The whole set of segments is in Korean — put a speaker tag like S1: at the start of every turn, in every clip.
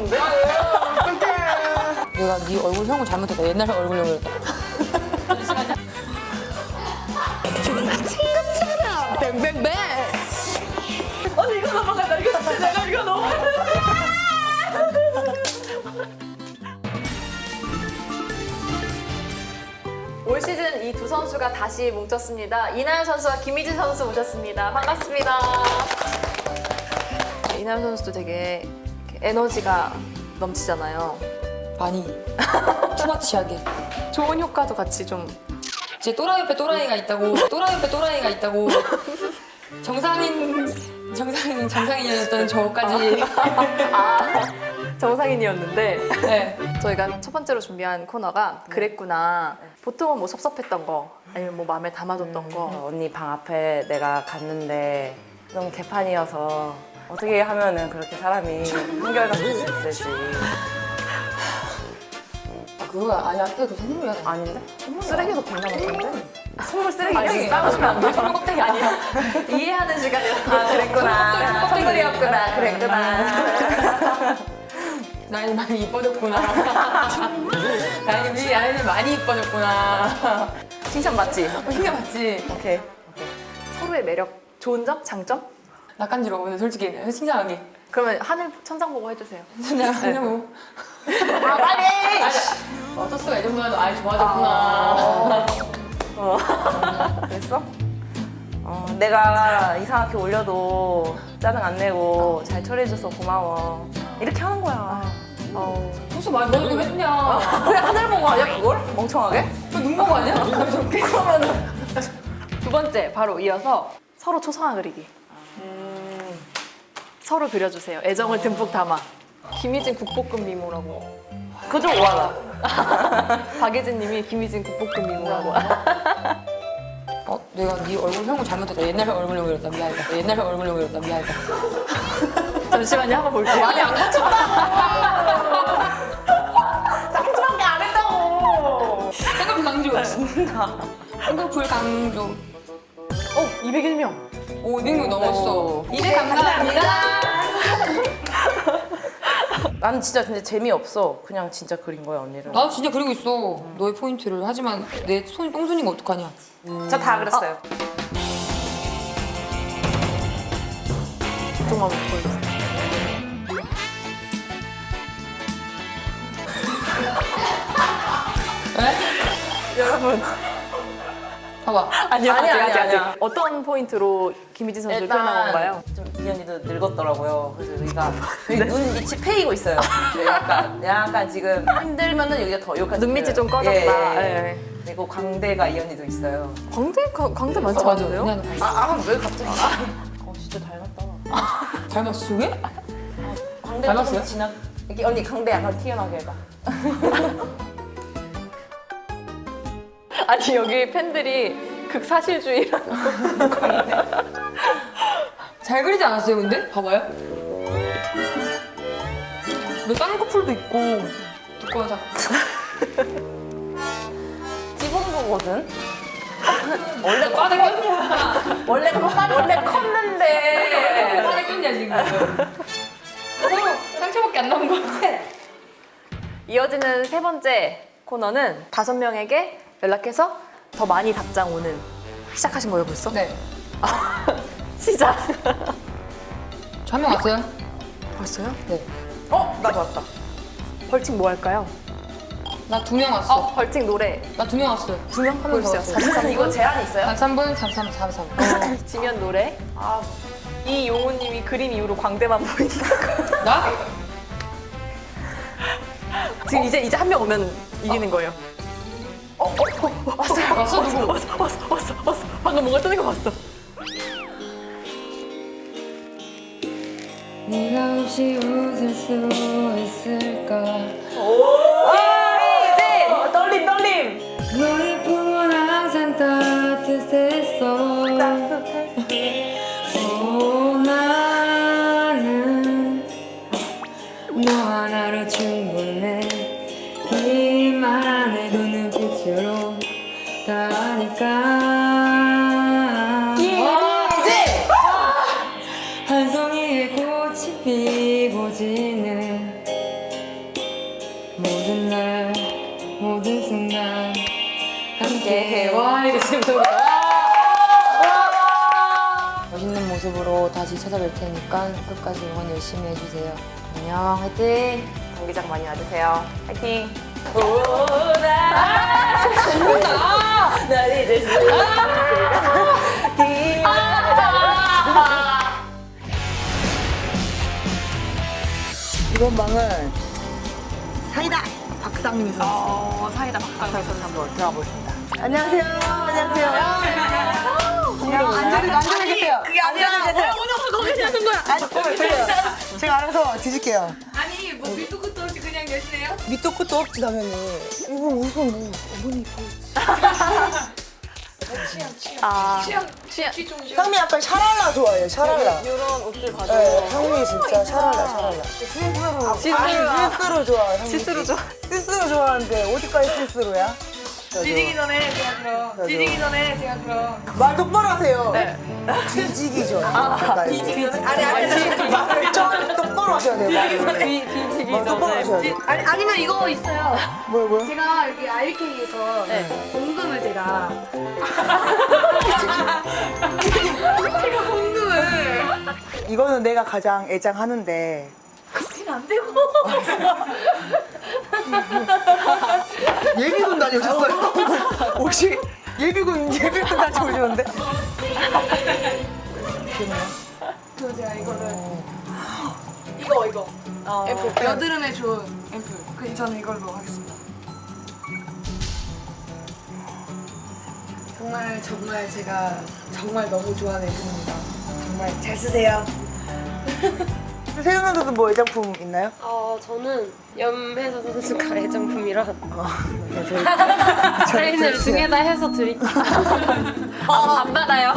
S1: 싶은데?
S2: 내가 네 얼굴형을 잘못했다. 옛날 얼굴형이었다.
S1: 뱅뱅뱅! 아니 이거 넘어간다. 이거 진짜 내가 이거 넘어간다. 올 시즌 이 두 선수가 다시 뭉쳤습니다. 이나연 선수와 김희진 선수 모셨습니다. 반갑습니다. 이나연 선수도 되게 이렇게 에너지가 넘치잖아요.
S2: 많이 투마치하게.
S1: 좋은 효과도 같이 좀
S2: 제 또라이 옆에 또라이가 있다고. 또라이 옆에 또라이가 있다고. 정상인이었던 저까지.
S1: 정상인이었는데
S2: 네.
S1: 저희가 첫 번째로 준비한 코너가 그랬구나. 보통은 뭐 섭섭했던 거 아니면 뭐 마음에 담아뒀던 거.
S3: 언니 방 앞에 내가 갔는데 너무 개판이어서 어떻게 하면은 그렇게 사람이 한결같을 수 있을지.
S2: 아, 그거 아니 앞에 그 선물이야.
S3: 아닌데?
S1: 쓰레기도 공감하던데?
S3: 선물 쓰레기
S1: 아니,
S3: 여기
S1: 싸우시면 안 돼요.
S2: 선물 껍데기 아니야.
S1: 이해하는 시간이라.
S3: 아 그랬구나.
S2: 껍데기.
S3: 선물이었구나. 그랬구나.
S2: 나연이 많이 이뻐졌구나. 나연이 많이 이뻐졌구나.
S3: 칭찬 맞지?
S2: 신경 맞지?
S3: 오케이.
S1: 서로의 매력, 좋은 점, 장점?
S2: 낯간지러워 오늘 솔직히 신기하게.
S1: 그러면 하늘 천장 보고 해주세요.
S2: 내가 그냥 뭐.
S3: 아 빨리!
S2: 어쩔 수가 이 정도라도 아이 좋아졌구나.
S3: 그랬어? 내가 이상하게 올려도 짜증 안 내고 잘 처리해줘서 고마워. 이렇게 하는 거야.
S2: 벌써 많이 너는 왜 했냐?
S3: 그냥 하늘 보고 아니야 그걸? 멍청하게?
S2: 눈 보고 아니야? 감정게.
S1: 두 번째, 바로 이어서 서로 초상화 그리기. 서로 그려주세요. 애정을 듬뿍 담아. 김희진 국볶음 미모라고.
S3: 그거 좀 오하다.
S1: 박예진 님이 김희진 국볶음 미모라고.
S2: 내가 네 얼굴형을 잘못했다. 옛날 얼굴형이었다. 미안하다. 옛날 얼굴형이었다. 미안하다.
S1: 잠시만요, 한번 볼게요.
S3: 많이 안 쌍수밖에 안 했다고.
S2: 쌍꺼풀 강조. 쌍꺼풀 강조.
S1: 201명.
S2: 오, 200명 넘었어. 이제 감사합니다.
S3: 나는 진짜 근데 재미없어. 그냥 진짜 그린 거야 언니를.
S2: 나도 진짜 그리고 있어. 너의 포인트를. 하지만 내 손이 똥손인 거 어떡하냐.
S3: 저 다 그랬어요.
S1: 조금만 보여주세요.
S2: 왜?
S1: 여러분.
S2: 봐봐.
S1: 아니요,
S3: 아니야.
S1: 어떤 포인트로 김희진 선수를 표현한 건가요?
S3: 좀 이 언니도 늙었더라고요. 그래서 여기가 여기 눈 밑이 패이고 있어요. 약간 지금 힘들면은 여기가 더 여기까지
S1: 눈밑이 좀
S3: 보여요.
S1: 꺼졌다.
S3: 예.
S1: 예.
S3: 그리고 광대가 이 언니도 있어요.
S1: 광대 많지
S2: 맞아.
S1: 않은데요?
S2: 그냥
S3: 왜 갑자기? 진짜 닮았다.
S2: 닮았어, 저게?
S3: 광대
S2: 닮았어요?
S3: 조금 지나. 이렇게 언니 광대 약간 튀어나게 해봐.
S1: 아니 여기 팬들이 극사실주의라는
S2: 잘 그리지 않았어요, 근데? 봐봐요. 너 쌍꺼풀도 있고. 두꺼워, 자.
S3: 찝은 거거든.
S2: 원래 빠르게 꼈냐?
S3: 원래 컸는데.
S2: 빠르게 꼈냐, 지금. 서로 상처밖에 안 남은 것 같아.
S1: 이어지는 세 번째 코너는 5명에게 연락해서 더 많이 답장 오는. 시작하신 거예요 벌써?
S2: 네.
S1: 시작.
S2: 저 한 명 왔어요?
S1: 벌써요?
S2: 네.
S3: 나도 왔다.
S1: 벌칙 뭐 할까요?
S2: 나 2명 왔어.
S1: 벌칙 노래.
S2: 나 2명 왔어요.
S1: 2명
S2: 한명
S1: 보여주세요.
S2: 더 왔어요.
S1: 43
S3: 이거 제한 있어요?
S2: 43분, 43, 43.
S1: 지면 노래. 이용우님이 그림 이후로 광대만 보인다.
S2: 나?
S1: 지금 이제 한 명 오면 이기는 거예요.
S2: 왔어, 누구?
S1: 왔어. 방금 뭔가 뜨는 거 봤어.
S2: 네가 없이 웃을 수 있을까?
S3: 떨림.
S2: 너의 품은 항상 따뜻했어. 나는 너 하나로 충분해. 이 말 안 해도 눈빛으로 다 아니까. 한 송이의 꽃이 피고 지는 멋있는 모습으로 다시 찾아뵐 테니까 끝까지 응원 열심히 해주세요. 안녕, 화이팅!
S3: 경기장 많이 와주세요. 화이팅!
S4: 이번 방은 사이다 박상민 선수.
S1: 사이다 박상민 선수 한번 들어가 보겠습니다.
S4: 안녕하세요. 안녕하세요. 앉아 계세요. 그게 아니라 오늘 거기 하는 거야. 제가 알아서 뒤질게요.
S2: 아니, 뭐 밑도 끝도 없이 그냥 내시네요?
S4: 밑도 끝도 없지 당연히. 이거 무슨 뭐 어머니
S2: 취향 좀
S4: 상미 약간 샤랄라 좋아해요. 샤랄라.
S3: 이런 옷들 봐도
S4: 네, 상미 진짜 샤랄라. 시스루 좋아해요. 시스루 좋아. 시스루 좋아하는데 어디까지 시스루야?
S2: 뒤지기 전에 제가 그럼. 뒤지기 전에 제가 그럼.
S4: 말 똑바로 하세요. 네. 뒤지기 전. 뒤지기 전. 아니. 말을 좀 똑바로 하셔야 돼요.
S1: 뒤지기
S4: 말 똑바로 하셔야 돼요.
S2: 아니면 이거 있어요.
S4: 뭐요?
S2: 제가 여기 IK에서 공금을 제가 공금을
S4: 이거는 내가 가장 애장하는데.
S2: 안 되고
S4: 예비군 다녀오셨어요? 혹시 예비군 다녀오셨는데?
S2: 제가 이거를 이거 앰플 여드름에 좋은 앰플 저는 이걸로 하겠습니다. 정말 제가 정말 너무 좋아하는 앰플입니다. 정말 잘 쓰세요.
S4: 세영 선수도 뭐 애장품 있나요?
S5: 저는 염혜서 선수가 애정품이라
S4: 저희
S5: 사인을 등에다 해서 드릴게요.
S1: 안 받아요.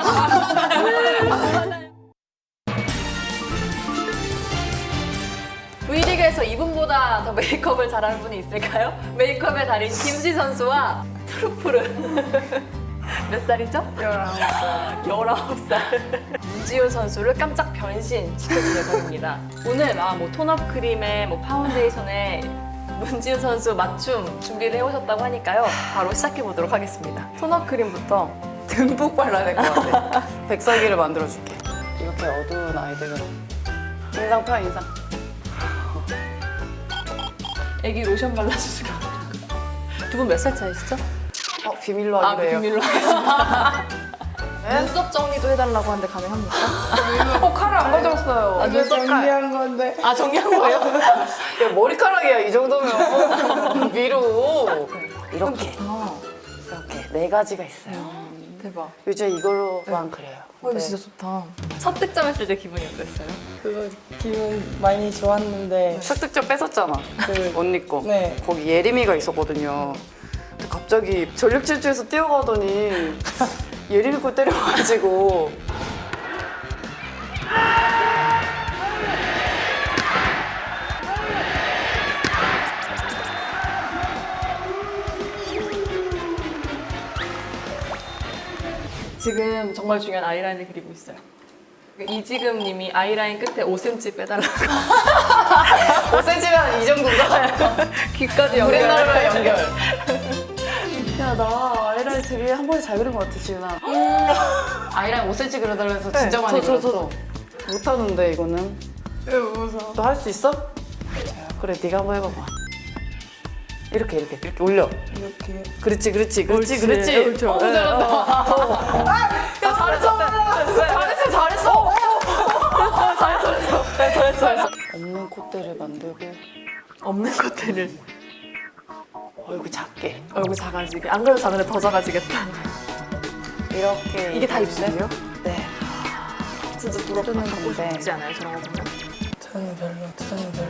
S1: V리그에서 이분보다 더 메이크업을 잘하는 분이 있을까요? 메이크업의 달인 김지 선수와 푸르푸르 몇 살이죠? 19살. 19살. 문지우 선수를 깜짝 변신시켜준 녀석입니다. 오늘 뭐 톤업 크림에 뭐 파운데이션에 문지우 선수 맞춤 준비를 해오셨다고 하니까요. 바로 시작해보도록 하겠습니다. 톤업 크림부터
S3: 듬뿍 발라야 될 것 같아. 백설기를 만들어줄게. 이렇게 어두운 아이들은 인상 펴 인상.
S1: 애기 로션 발라주시고. 두 분 몇 살 차이시죠?
S3: 비밀로 하기로 해요.
S1: 비밀로 하겠습니다. 눈썹 정리도 해달라고 하는데 가능합니까?
S3: 칼을 안 가져왔어요.
S1: 눈썹 칼.
S4: 건데.
S1: 아, 정리한 거예요?
S3: 야, 머리카락이야 이 정도면 위로 이렇게 이렇게 네 가지가 있어요.
S1: 대박.
S3: 요즘 이걸로만 그려요.
S1: 이거 진짜 좋다. 첫 득점했을 때 기분이 어땠어요?
S6: 그거 기분 많이 좋았는데
S3: 습득점 뺏었잖아. 그 언니 거.
S6: 네.
S3: 거기 예림이가 있었거든요. 근데 갑자기 전력 질주해서 뛰어가더니 예림이 거 때려가지고
S1: 지금 정말 중요한 아이라인을 그리고 있어요. 이지금 님이 아이라인 끝에 5cm 빼달라고.
S3: 5cm면 이 정도인가?
S1: 귀까지
S3: 우리나라로 연결.
S6: 야 나 아이라인 되게 한 번에 잘 그린 것 같아 지은아.
S3: 아이라인 5cm 그려달라 해서 진짜 많이 그렸어. 못하는데 이거는.
S6: 왜 웃어?
S3: 너 할 수 있어? 자, 그래 네가 한번 해봐봐. 이렇게 올려.
S6: 이렇게
S3: 그렇지.
S1: 그렇죠.
S3: 잘한다. 야 잘했어. 없는 콧대를 만들고
S1: 없는 것들을
S3: 얼굴 작게
S1: 얼굴 작아지게. 안 그래도 작은데 더 작아지겠다.
S3: 이렇게.
S1: 이게 다 입술이에요?
S3: 네.
S1: 진짜 부럽다.
S3: 뜨는
S1: 갖고
S3: 건데.
S1: 싶지 않아요? 저런 거 보면?
S6: 저는 별로 저는 별로.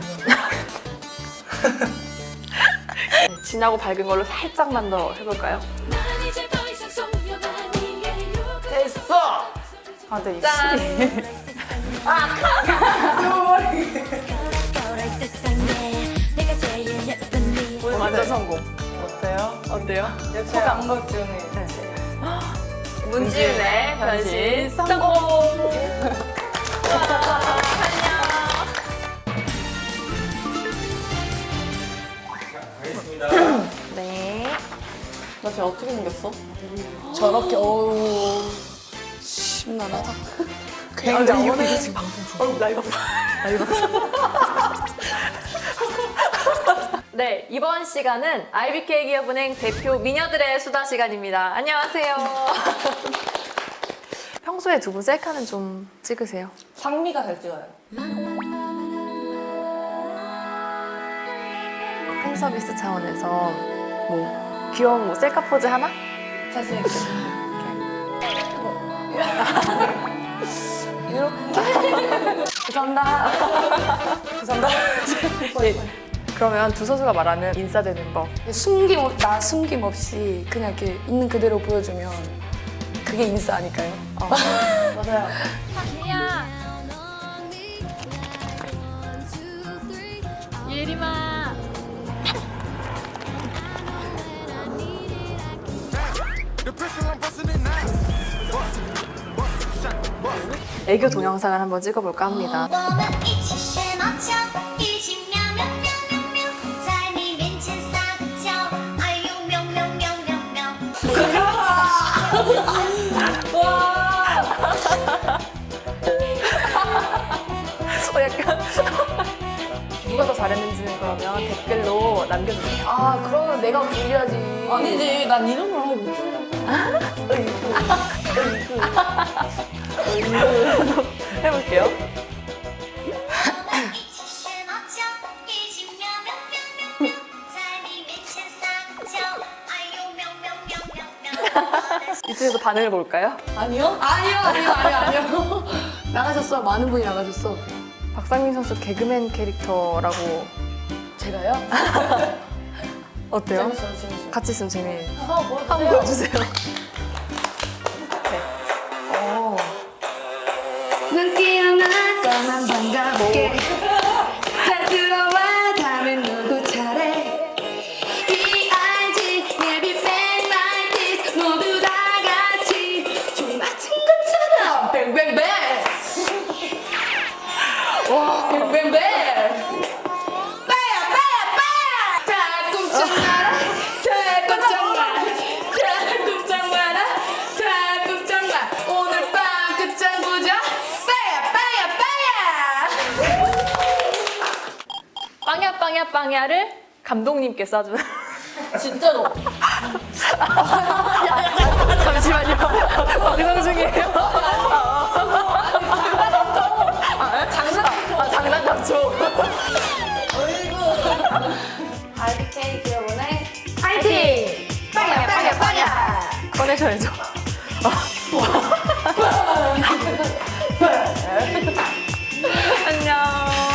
S1: 네, 진하고 밝은 걸로 살짝만 더 해볼까요?
S3: 됐어. 아, 근데 입술이.
S1: 완전 성공.
S3: 어때요?
S1: 어때요?
S6: 역시 안것 중에
S1: 문지윤의 변신 성공! 네.
S6: 나
S1: 진짜 어떻게 생겼어?
S6: 저렇게 어우 심란하다. 굉장히 오늘 지금 방송
S1: 라이브 네, 이번 시간은 IBK 기업은행 대표 미녀들의 수다 시간입니다. 안녕하세요. 평소에 두 분 셀카는 좀 찍으세요?
S3: 상미가 잘 찍어요.
S1: 팬 서비스 차원에서 뭐 귀여운 뭐 셀카 포즈 하나?
S3: 자신 있게.
S1: 감사합니다. 감사합니다. 네, 그러면 두 선수가 말하는 인싸되는 법.
S6: 숨김없이 그냥 이렇게 있는 그대로 보여주면 그게 인싸 아닐까요?
S1: 맞아요. 예림아. 애교 동영상을 한번 찍어볼까 합니다.
S7: 我们一起学猫叫，一起喵喵喵喵喵，在你面前撒个娇，哎呦喵喵喵喵喵。
S1: 약간 누가 더 잘했는지는 그러면 댓글로 남겨주세요.
S6: 아 그러면 내가 불리하지.
S3: 아니지, 난 이런 걸 하고 못해.
S1: 해볼게요.
S7: 我们一起学猫叫，一起喵喵喵喵喵，在你面前撒个娇，哎呦喵喵喵喵喵。
S1: 이쪽에서 반응을 볼까요?
S6: 아니요? 아니요. 나가셨어. 많은 분이 나가셨어.
S1: 박상민 선수 개그맨 캐릭터라고
S6: 제가요?
S1: 어때요?
S6: 재밌어요.
S1: 같이 있으면 재미있어요.
S6: 한번
S1: 한번 보여주세요.
S6: 난 깨어나서만 반갑게 다 들어와 다음엔 누구 차례 B.I.G. maybe bang like this 모두 다 같이 총 맞춘 것처럼 뱅뱅뱅 와 뱅뱅뱅 빠야 다 꼼짝 마라 다 꼼짝 마라 다 꼼짝 마라 다 꼼짝 마 오늘 밤 끝장 보자
S1: 빵야빵야빵야를 감독님께 쏴주는.
S3: 진짜로.
S1: 잠시만요. 방송 중이에요. 장난 감초.
S6: IBK 기업은행 파이팅! 빵야!
S1: 꺼내셔야죠. 안녕.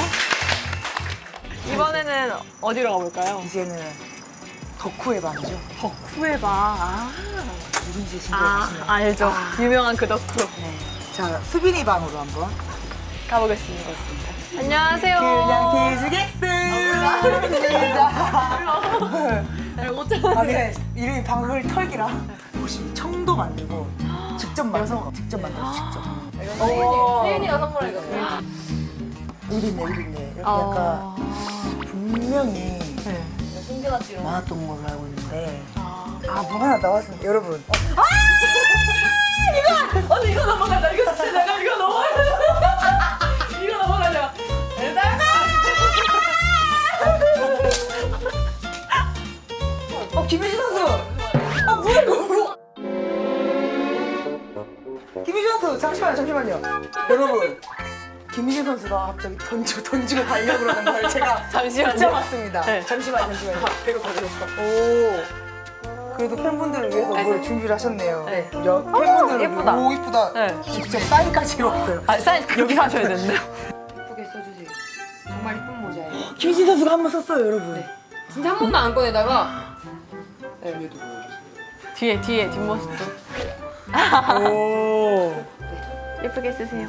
S1: 이번에는 어디로 가볼까요?
S4: 이제는 덕후의 방이죠.
S1: 덕후의 방.
S4: 누군지 신기하시네요.
S1: 알죠. 유명한 그 덕후.
S4: 자, 수빈이 방으로 한번.
S1: 가보겠습니다. 안녕하세요.
S4: 그냥 뒤지겠습니다. 아, 그냥 이름이 방울 털기라. 혹시 청도 만들고 직접 만들고 직접 만들고 직접.
S1: 세윤이가 선물해줬어요.
S4: 이리네. 이렇게 약간 분명히 많았던 걸로 알고 있는데 뭐 하나 나왔습니다. 여러분.
S1: 이거 넘어가자. 이거 넘어가자.
S4: 김희진 선수! 뭐야 이거! 김희진 선수 잠시만요. 여러분, 김희진 선수가 갑자기 던지고 달려고 그러는 걸 제가
S1: 잠시만요.
S4: 붙잡았습니다.
S1: 네.
S4: 잠시만요. 배로 가져올까? 오. 그래도 팬분들을 위해서 뭘 준비를 하셨네요.
S1: 네.
S4: 팬분들을
S1: 예쁘다.
S4: 오, 이쁘다.
S1: 네.
S4: 직접 사인까지 해왔어요.
S1: 사인 여기 하셔야 되는데.
S2: 예쁘게 써주세요. 정말 이쁜 모자예요.
S4: 김희진 선수가 한 번 썼어요, 여러분.
S2: 진짜 한 번도 안 꺼내다가
S1: 뒤에 뒷모습도
S4: 오.
S1: 예쁘게 쓰세요.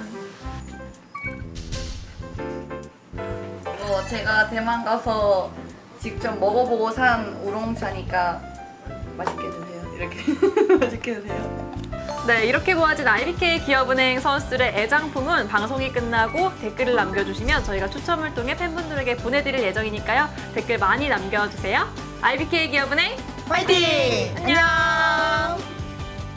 S8: 제가 대만 가서 직접 먹어보고 산 우롱차니까 맛있게 드세요. 이렇게 맛있게 드세요.
S1: 네, 이렇게 모아진 IBK 기업은행 선수들의 애장품은 방송이 끝나고 댓글을 남겨주시면 저희가 추첨을 통해 팬분들에게 보내드릴 예정이니까요. 댓글 많이 남겨주세요. IBK 기업은행
S4: 파이팅!
S1: 안녕!